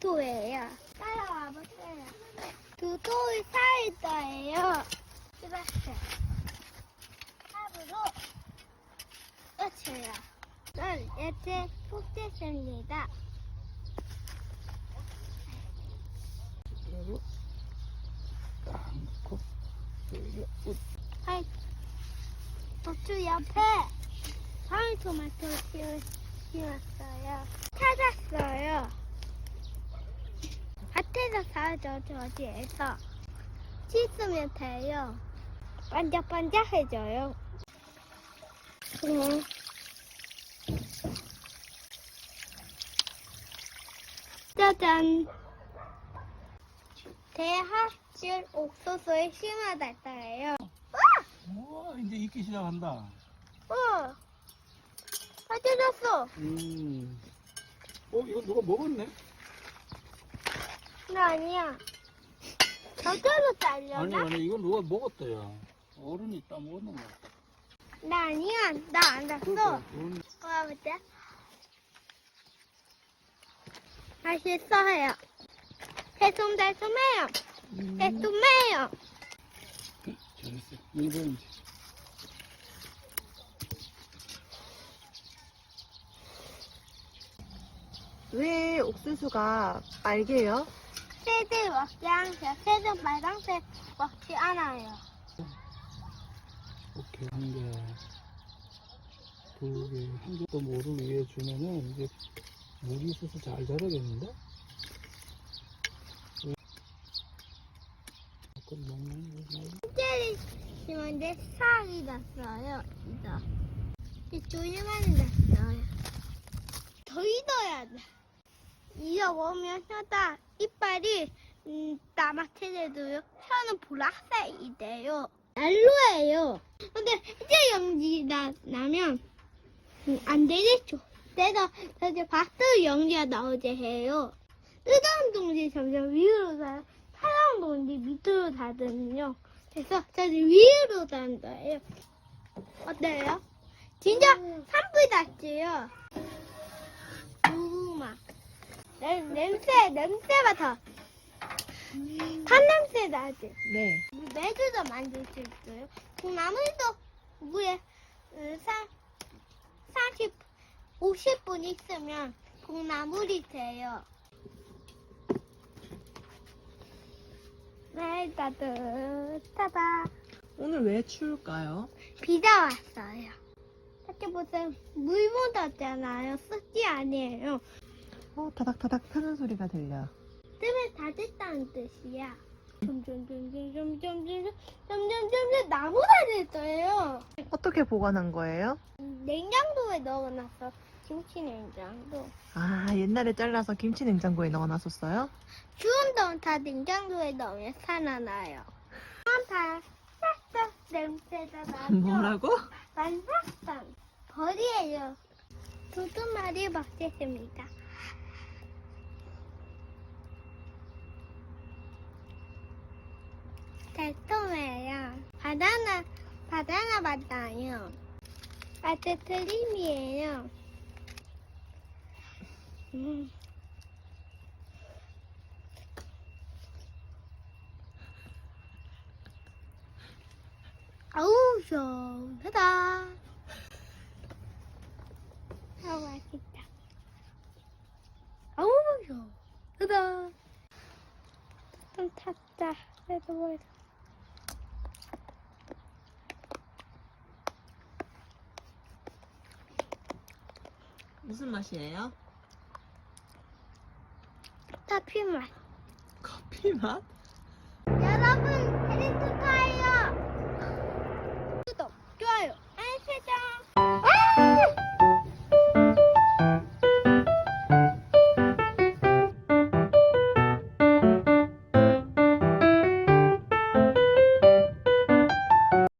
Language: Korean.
두도예요. 따라와 보세요. 두도의 사이다예요. 이렇게 탑으로 끝이에요. 전 이제 푹됐습니다. 그리고 딱 넣고 여기가 아이, 고추 옆에 방울토마토 심었어요. 찾았어요. 밭에서 사죠, 저지에서. 씻으면 돼요. 반짝반짝해져요. 짜잔! 대합질 옥수수에 심어놨어요. 우와 이제 익기 시작한다. 다 뜯었어. 이거 누가 먹었네? 나 아니야. 저절로 잘려나? 아니 이건 누가 먹었다야. 어른이 따먹었는 거 같다. 나 아니야. 나 안 샀어. 보자. 맛있어요. 달콤해요. 달콤해요. 잘했어. 이번이지. 왜 옥수수가 빨개요? 새들 먹지 않아요. 새들 빨강색 먹지 않아요. 오케이 한 개, 두 개, 한 개 또 물을 위에 주면은 이제 물이 있어서 잘 자라겠는데? 그럼 먹는 거 말고. 젤리 심었는데 싹이 났어요. 이제 조심하는 났어요. 더 익어야 돼. 익어보면 혀다 이빨이 까맣게돼도요. 혀는 보라색이 돼요. 난로예요. 근데 이제 연기 나면 안 되겠죠. 그래서 이제 바스 연기가 나오게 해요. 뜨거운 동지 점점 위로 가요. 차가운 동지 밑으로 닫으면요. 그래서 저는 위로 단다예요. 어때요? 진짜 산불 났지요? 고구마. 냄새 맡아. 탄냄새 나지? 네. 매주도 만들 수 있어요. 콩나물도 물에 50분 있으면 콩나물이 돼요. 네, 따뜻하다. 오늘 왜 추울까요? 비가 왔어요. 이렇게 보세요. 물 묻었잖아요. 습지 아니에요. 타닥타닥 타는 소리가 들려. 뜸을 다 됐다는 뜻이야. 점점 나무가 됐어요. 어떻게 보관한 거예요? 냉장고에 넣어놨어. 김치 냉장고. 아, 옛날에 잘라서 김치 냉장고에 넣어놨었어요? 추운 동안 다 냉장고에 넣으면 살아나요. 싹싹 냄새가 나죠? 뭐라고? 싹싹 벌이에요. 두두 마리 먹겠습니다. 달콤해요. 바나나 맛나요. 아이스크림이에요. 아우, 시원하다. 아우, 맛있다. 아우, 시원하다. 좀 탔다. 그래도 뭐 무슨 맛이에요? 커피 맛. 커피 맛?